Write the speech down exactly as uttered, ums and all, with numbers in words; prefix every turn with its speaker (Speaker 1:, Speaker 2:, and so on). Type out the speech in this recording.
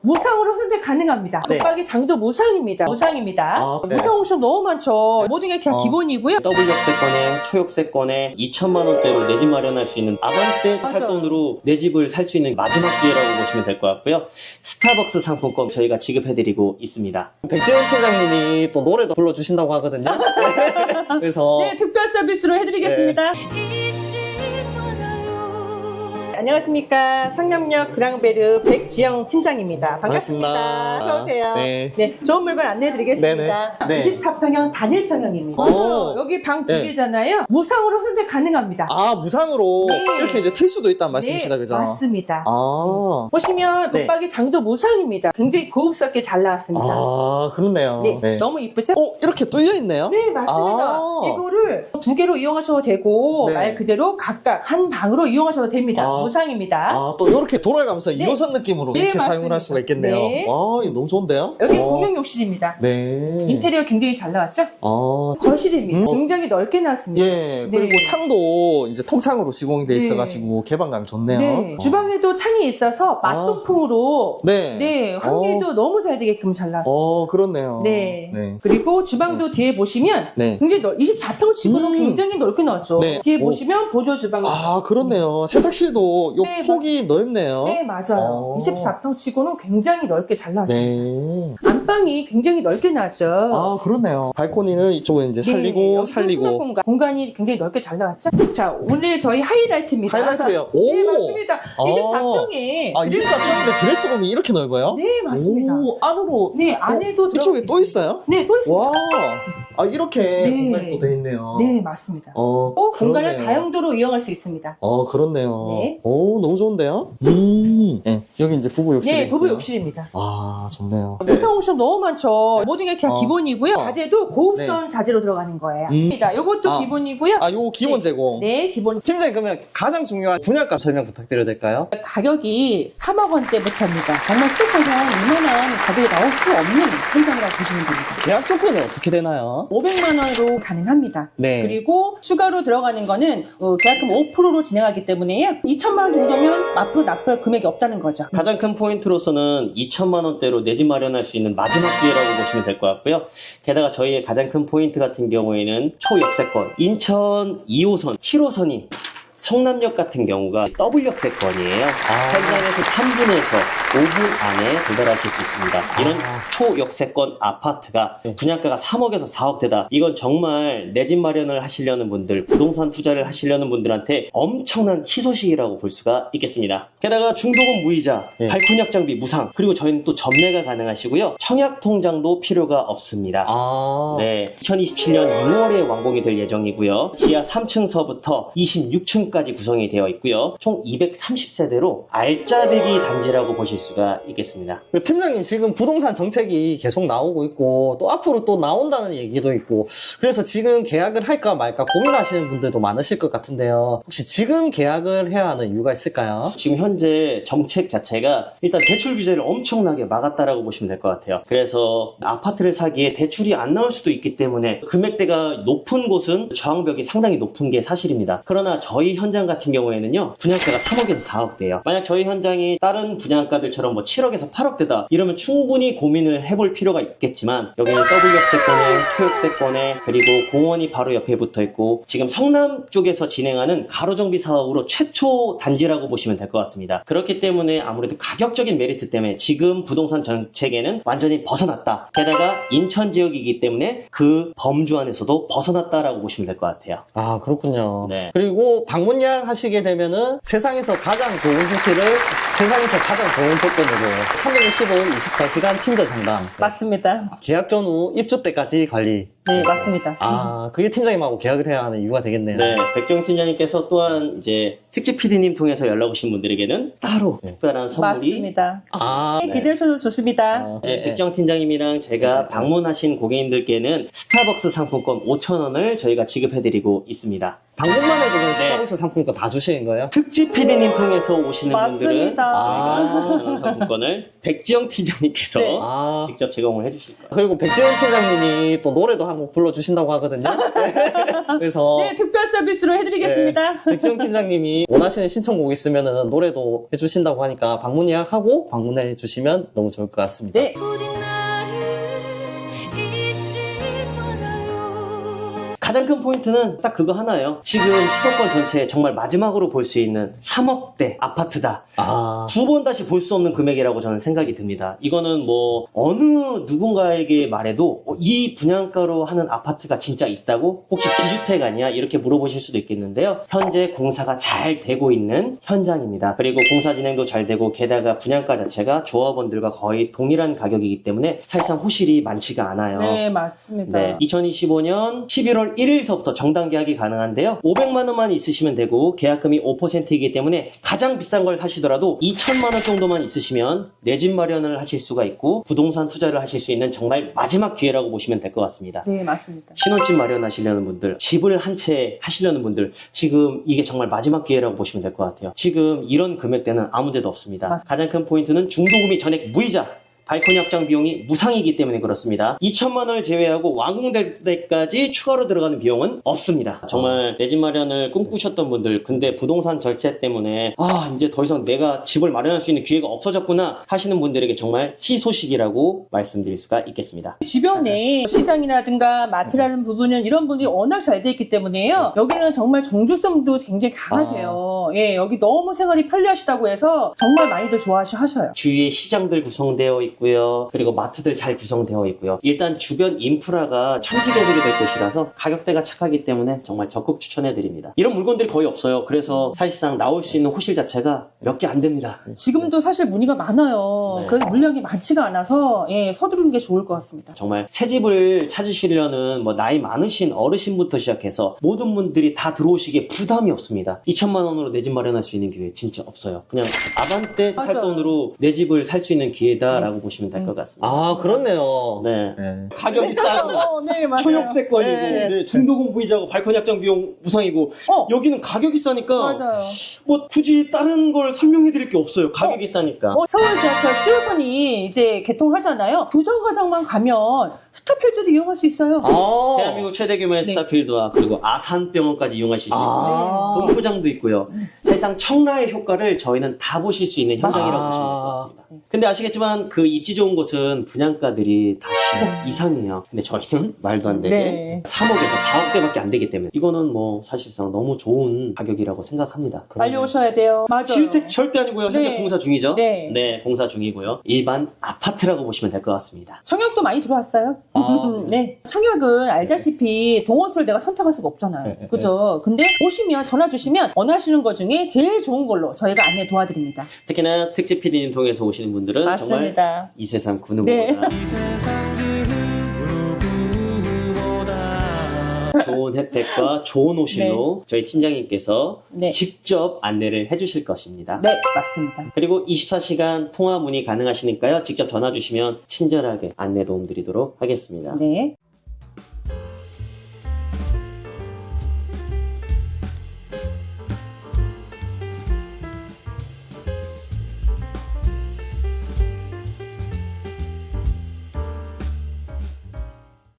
Speaker 1: 무상으로 선택 가능합니다.
Speaker 2: 네.
Speaker 1: 붙박이 장도 무상입니다. 무상입니다.
Speaker 2: 아, 네.
Speaker 1: 무상 옵션 너무 많죠. 모든 게 그냥
Speaker 2: 어.
Speaker 1: 기본이고요.
Speaker 2: 더블 역세권에 초역세권에 이천만 원대로 내 집 마련할 수 있는 아반떼
Speaker 1: 맞아.
Speaker 2: 살 돈으로 내 집을 살 수 있는 마지막 기회라고 보시면 될 것 같고요. 스타벅스 상품권 저희가 지급해드리고 있습니다.
Speaker 3: 백지영 팀장님이 또 노래도 불러주신다고 하거든요. 그래서
Speaker 1: 네, 특별 서비스로 해드리겠습니다. 안녕하십니까. 상남역 그랑베르 백지영 팀장입니다. 반갑습니다.
Speaker 3: 반갑습니다.
Speaker 1: 어서오세요.
Speaker 3: 네.
Speaker 1: 네, 좋은 물건 안내해드리겠습니다.
Speaker 3: 네네. 네.
Speaker 1: 이십사 평형 단일평형입니다.
Speaker 3: 오.
Speaker 1: 여기 방 두
Speaker 3: 네.
Speaker 1: 개잖아요. 무상으로 선택 가능합니다.
Speaker 3: 아 무상으로
Speaker 1: 네.
Speaker 3: 이렇게 이제 틀 수도 있다는 말씀이시다,
Speaker 1: 네,
Speaker 3: 그죠?
Speaker 1: 맞습니다.
Speaker 3: 아,
Speaker 1: 보시면
Speaker 3: 네.
Speaker 1: 붙박이 장도 무상입니다. 굉장히 고급스럽게 잘 나왔습니다.
Speaker 3: 아 그렇네요.
Speaker 1: 네,
Speaker 3: 네.
Speaker 1: 너무 이쁘죠?
Speaker 3: 어 이렇게 뚫려 있네요.
Speaker 1: 네, 맞습니다.
Speaker 3: 아.
Speaker 1: 이거를 두 개로 이용하셔도 되고
Speaker 3: 네.
Speaker 1: 말 그대로 각각 한 방으로 이용하셔도 됩니다.
Speaker 3: 아.
Speaker 1: 무상입니다.
Speaker 3: 아, 또 이렇게 돌아가면서
Speaker 1: 네.
Speaker 3: 이 호선 느낌으로
Speaker 1: 네,
Speaker 3: 이렇게
Speaker 1: 맞습니다.
Speaker 3: 사용을 할 수가 있겠네요.
Speaker 1: 네.
Speaker 3: 아, 이거 너무 좋은데요?
Speaker 1: 여기
Speaker 3: 어.
Speaker 1: 공용 욕실입니다.
Speaker 3: 네.
Speaker 1: 인테리어 굉장히 잘 나왔죠?
Speaker 3: 아,
Speaker 1: 거실입니다.
Speaker 3: 음.
Speaker 1: 굉장히 넓게 나왔습니다.
Speaker 3: 예, 그리고
Speaker 1: 네.
Speaker 3: 창도 이제 통창으로 시공이 돼
Speaker 1: 네.
Speaker 3: 있어가지고 개방감이 좋네요.
Speaker 1: 네.
Speaker 3: 어.
Speaker 1: 주방에도 창이 있어서 맛동풍으로
Speaker 3: 네.
Speaker 1: 네, 환기도 너무 잘 되게끔 잘 나왔어요.
Speaker 3: 어, 그렇네요.
Speaker 1: 네.
Speaker 3: 네.
Speaker 1: 그리고 주방도 뒤에 보시면
Speaker 3: 네.
Speaker 1: 굉장히 넓, 이십사 평 치고는
Speaker 3: 음.
Speaker 1: 굉장히 넓게 나왔죠.
Speaker 3: 네.
Speaker 1: 뒤에
Speaker 3: 오.
Speaker 1: 보시면 보조 주방이
Speaker 3: 아, 그렇네요. 세탁실도 요
Speaker 1: 네,
Speaker 3: 폭이 넓네요.
Speaker 1: 네, 맞아요.
Speaker 3: 어.
Speaker 1: 이십사 평 치고는 굉장히 넓게 잘 나왔어요.
Speaker 3: 네.
Speaker 1: 안방이 굉장히 넓게 나왔죠.
Speaker 3: 아, 그렇네요. 발코니를 이쪽에 이제 살리고,
Speaker 1: 네, 여기도
Speaker 3: 살리고.
Speaker 1: 수납 공간. 공간이 굉장히 넓게 잘 나왔죠. 자, 오늘 저희 하이라이트입니다.
Speaker 3: 하이라이트예요. 오!
Speaker 1: 네, 맞습니다.
Speaker 3: 아.
Speaker 1: 이십사 평에.
Speaker 3: 아, 이십사 평인데 드레스룸이 이렇게 넓어요?
Speaker 1: 네, 맞습니다.
Speaker 3: 오, 안으로.
Speaker 1: 네, 안에도
Speaker 3: 어, 이쪽에
Speaker 1: 들어갈
Speaker 3: 또
Speaker 1: 수
Speaker 3: 있어요?
Speaker 1: 네, 또 있습니다.
Speaker 3: 와. 아, 이렇게
Speaker 1: 네.
Speaker 3: 공간이 또 돼 있네요.
Speaker 1: 네, 맞습니다.
Speaker 3: 어,
Speaker 1: 또 공간을
Speaker 3: 그렇네요.
Speaker 1: 다용도로 이용할 수 있습니다.
Speaker 3: 어, 그렇네요.
Speaker 1: 네.
Speaker 3: 오, 너무 좋은데요? 음. 네, 여기 이제 부부 욕실.
Speaker 1: 네, 부부 욕실입니다.
Speaker 3: 아, 좋네요.
Speaker 1: 무상 옵션 너무 많죠. 모든 게 그냥
Speaker 3: 어.
Speaker 1: 기본이고요.
Speaker 3: 어.
Speaker 1: 자재도 고급선 자재로 들어가는 거예요.
Speaker 3: 음.
Speaker 1: 이것도
Speaker 3: 아.
Speaker 1: 기본이고요.
Speaker 3: 아, 요거 기본
Speaker 1: 네.
Speaker 3: 제공.
Speaker 1: 네, 기본.
Speaker 3: 팀장님, 그러면 가장 중요한 분양가 설명 부탁드려도 될까요?
Speaker 1: 가격이 삼억 원대부터입니다. 정말 수도권에서 이만한 가격이 나올 수 없는 현장이라고 보시면 됩니다.
Speaker 3: 계약 조건은 어떻게 되나요?
Speaker 1: 오백만 원으로 가능합니다.
Speaker 3: 네.
Speaker 1: 그리고 추가로 들어가는 거는 어, 계약금 오 퍼센트로 진행하기 때문에요. 이천만 원 정도면 앞으로 납부할 금액이 없다는 거죠.
Speaker 2: 가장 큰 포인트로서는 이천만 원대로 내 집 마련할 수 있는 마지막 기회라고 보시면 될 것 같고요. 게다가 저희의 가장 큰 포인트 같은 경우에는 초역세권, 인천 이 호선, 칠 호선이 성남역 같은 경우가 더블 역세권이에요. 현장에서 삼 분에서 오 분 안에 도달하실 수 있습니다. 이런
Speaker 3: 아.
Speaker 2: 초역세권 아파트가 분양가가 삼억에서 사억 대다. 이건 정말 내 집 마련을 하시려는 분들, 부동산 투자를 하시려는 분들한테 엄청난 희소식이라고 볼 수가 있겠습니다. 게다가 중도금 무이자,
Speaker 3: 네.
Speaker 2: 발코니 확장비 무상, 그리고 저희는 또 전매가 가능하시고요. 청약 통장도 필요가 없습니다.
Speaker 3: 아.
Speaker 2: 네, 이천이십칠 년 유월에 완공이 될 예정이고요. 지하 삼 층서부터 이십육 층까지 구성이 되어 있고요. 총 이백삼십 세대로 알짜배기 단지라고 보실 수가 있겠습니다.
Speaker 3: 그 팀장님 지금 부동산 정책이 계속 나오고 있고 또 앞으로 또 나온다는 얘기도 있고 그래서 지금 계약을 할까 말까 고민하시는 분들도 많으실 것 같은데요. 혹시 지금 계약을 해야 하는 이유가 있을까요?
Speaker 2: 지금 현재 정책 자체가 일단 대출 규제를 엄청나게 막았다라고 보시면 될 것 같아요. 그래서 아파트를 사기에 대출이 안 나올 수도 있기 때문에 금액대가 높은 곳은 저항벽이 상당히 높은 게 사실입니다. 그러나 저희 현장 같은 경우에는요, 분양가가 삼억에서 사억대예요. 만약 저희 현장이 다른 분양가들처럼 뭐 칠억에서 팔억대다 이러면 충분히 고민을 해볼 필요가 있겠지만 여기는 더블 역세권에 초역세권에 그리고 공원이 바로 옆에 붙어 있고 지금 성남 쪽에서 진행하는 가로정비 사업으로 최초 단지라고 보시면 될 것 같습니다. 그렇기 때문에 아무래도 가격적인 메리트 때문에 지금 부동산 정책에는 완전히 벗어났다. 게다가 인천 지역이기 때문에 그 범주 안에서도 벗어났다라고 보시면 될 것 같아요.
Speaker 3: 아 그렇군요.
Speaker 2: 네.
Speaker 3: 그리고 방문 예약하시게 되면은 세상에서 가장 좋은 호실을 세상에서 가장 좋은 조건으로 삼백육십 일 이십사 시간 친절 상담,
Speaker 1: 맞습니다.
Speaker 3: 계약 전후 입주 때까지 관리.
Speaker 1: 네, 맞습니다.
Speaker 3: 아 그게 팀장님하고 계약을 해야 하는 이유가 되겠네요.
Speaker 2: 네, 백경 팀장님께서 또한 이제 특집 피디님 통해서 연락 오신 분들에게는 따로
Speaker 3: 네.
Speaker 2: 특별한 선물이
Speaker 1: 맞습니다.
Speaker 3: 아
Speaker 1: 네, 기대해 주셔도 좋습니다.
Speaker 3: 어,
Speaker 2: 네,
Speaker 3: 예,
Speaker 2: 백경 팀장님이랑 제가 방문하신 고객님들께는 스타벅스 상품권 오천 원을 저희가 지급해드리고 있습니다.
Speaker 3: 방문만 해도 그냥
Speaker 2: 네.
Speaker 3: 스타벅스 상품권 다 주시는 거예요?
Speaker 2: 특집 피디님 통해서 오시는 분들은
Speaker 1: 맞습니다.
Speaker 3: 아.
Speaker 2: 오천 원 상품권을 백지영 팀장님께서
Speaker 1: 네.
Speaker 3: 아
Speaker 2: 직접 제공을 해주실 거예요.
Speaker 3: 그리고 백지영 팀장님이 또 노래도 한번 불러주신다고 하거든요. 네. 그래서
Speaker 1: 네, 특별 서비스로 해드리겠습니다.
Speaker 3: 네, 백지영 팀장님이 원하시는 신청곡 있으면 노래도 해주신다고 하니까 방문 예약하고 방문해 주시면 너무 좋을 것 같습니다.
Speaker 1: 네.
Speaker 2: 가장 큰 포인트는 딱 그거 하나예요. 지금 수도권 전체에 정말 마지막으로 볼 수 있는 삼억대 아파트다.
Speaker 3: 아,
Speaker 2: 두 번 다시 볼 수 없는 금액이라고 저는 생각이 듭니다. 이거는 뭐 어느 누군가에게 말해도 어, 이 분양가로 하는 아파트가 진짜 있다고? 혹시 지주택 아니야? 이렇게 물어보실 수도 있겠는데요. 현재 공사가 잘 되고 있는 현장입니다. 그리고 공사 진행도 잘 되고 게다가 분양가 자체가 조합원들과 거의 동일한 가격이기 때문에 사실상 호실이 많지가 않아요.
Speaker 1: 네, 맞습니다.
Speaker 2: 네, 이천이십오 년 십일월 일일서부터 정당 계약이 가능한데요. 오백만 원만 있으시면 되고 계약금이 오 퍼센트이기 때문에 가장 비싼 걸 사시더라도 이천만 원 정도만 있으시면 내 집 마련을 하실 수가 있고 부동산 투자를 하실 수 있는 정말 마지막 기회라고 보시면 될 것 같습니다.
Speaker 1: 네, 맞습니다.
Speaker 2: 신혼집 마련하시려는 분들, 집을 한 채 하시려는 분들, 지금 이게 정말 마지막 기회라고 보시면 될 것 같아요. 지금 이런 금액대는 아무 데도 없습니다.
Speaker 1: 맞습니다.
Speaker 2: 가장 큰 포인트는 중도금이 전액 무이자, 발코니 확장 비용이 무상이기 때문에 그렇습니다. 이천만 원을 제외하고 완공될 때까지 추가로 들어가는 비용은 없습니다. 정말 내 집 마련을 꿈꾸셨던 분들, 근데 부동산 절제 때문에 아 이제 더 이상 내가 집을 마련할 수 있는 기회가 없어졌구나 하시는 분들에게 정말 희소식이라고 말씀드릴 수가 있겠습니다.
Speaker 1: 주변에 시장이라든가 마트라는 부분은 이런 분들이 워낙 잘 돼 있기 때문에요. 여기는 정말 정주성도 굉장히 강하세요. 예, 여기 너무 생활이 편리하시다고 해서 정말 많이들 좋아하셔요.
Speaker 2: 주위에 시장들 구성되어 있고요. 그리고 마트들 잘 구성되어 있고요. 일단 주변 인프라가 천지개벽이 될 곳이라서 가격대가 착하기 때문에 정말 적극 추천해드립니다. 이런 물건들이 거의 없어요. 그래서 사실상 나올 수 있는 호실 자체가 몇 개 안 됩니다.
Speaker 1: 지금도 사실 문의가 많아요.
Speaker 2: 네.
Speaker 1: 그래서 물량이 많지가 않아서 예, 서두르는 게 좋을 것 같습니다.
Speaker 2: 정말 새 집을 찾으시려는 뭐 나이 많으신 어르신부터 시작해서 모든 분들이 다 들어오시기에 부담이 없습니다. 이천만 원으로 내 집 마련할 수 있는 기회 진짜 없어요. 그냥 아반떼 살
Speaker 1: 맞아요.
Speaker 2: 돈으로 내 집을 살 수 있는 기회다라고 보시면 될 것 같습니다.
Speaker 3: 아, 그렇네요.
Speaker 2: 네.
Speaker 3: 네.
Speaker 2: 가격이 싸고
Speaker 1: 어, 네, 맞아요.
Speaker 2: 초역세권이고
Speaker 3: 네.
Speaker 2: 네, 중도금 부이자고 발코니 확장 비용 무상이고
Speaker 1: 어,
Speaker 2: 여기는 가격이 싸니까
Speaker 1: 맞아요.
Speaker 2: 뭐 굳이 다른 걸 설명해 드릴 게 없어요. 가격이 싸니까.
Speaker 1: 어, 서울 지하철 칠 호선이 이제 개통하잖아요. 부정거장만 가면 스타필드도 이용할 수 있어요.
Speaker 3: 아,
Speaker 2: 대한민국 최대 규모의
Speaker 1: 네.
Speaker 2: 스타필드와 그리고 아산병원까지 이용하실 수 있고
Speaker 3: 아.
Speaker 2: 본부장도 있고요. 사실상 청라의 효과를 저희는 다 보실 수 있는 현장이라고
Speaker 3: 아.
Speaker 2: 보시면 될 것 같습니다. 근데 아시겠지만 그 입지 좋은 곳은 분양가들이 다 십억 이상이에요. 근데 저희는 말도 안 되게
Speaker 1: 네.
Speaker 2: 삼억에서 사억대밖에 안 되기 때문에 이거는 뭐 사실상 너무 좋은 가격이라고 생각합니다.
Speaker 1: 빨리 오셔야 돼요. 맞아요.
Speaker 2: 지주택 절대 아니고요. 현재
Speaker 1: 네.
Speaker 2: 공사 중이죠?
Speaker 1: 네.
Speaker 2: 공사 중이고요. 일반 아파트라고 보시면 될 것 같습니다.
Speaker 1: 청약도 많이 들어왔어요.
Speaker 3: 아,
Speaker 1: 네. 청약은 알다시피 동호수를 내가 선택할 수가 없잖아요.
Speaker 3: 네, 네,
Speaker 1: 그죠? 근데 오시면 전화 주시면 원하시는 것 중에 제일 좋은 걸로 저희가 안내 도와드립니다.
Speaker 2: 특히나 특집 피디님 통해서 오시는 분들은 정말
Speaker 1: 맞습니다.
Speaker 2: 이 세상 그
Speaker 1: 네.
Speaker 2: 누구보다 좋은 혜택과 좋은 호실로 저희 팀장님께서
Speaker 1: 네.
Speaker 2: 직접 안내를 해주실 것입니다.
Speaker 1: 네, 맞습니다.
Speaker 2: 그리고 이십사 시간 통화 문의 가능하시니까요. 직접 전화 주시면 친절하게 안내 도움 드리도록 하겠습니다.
Speaker 1: 네.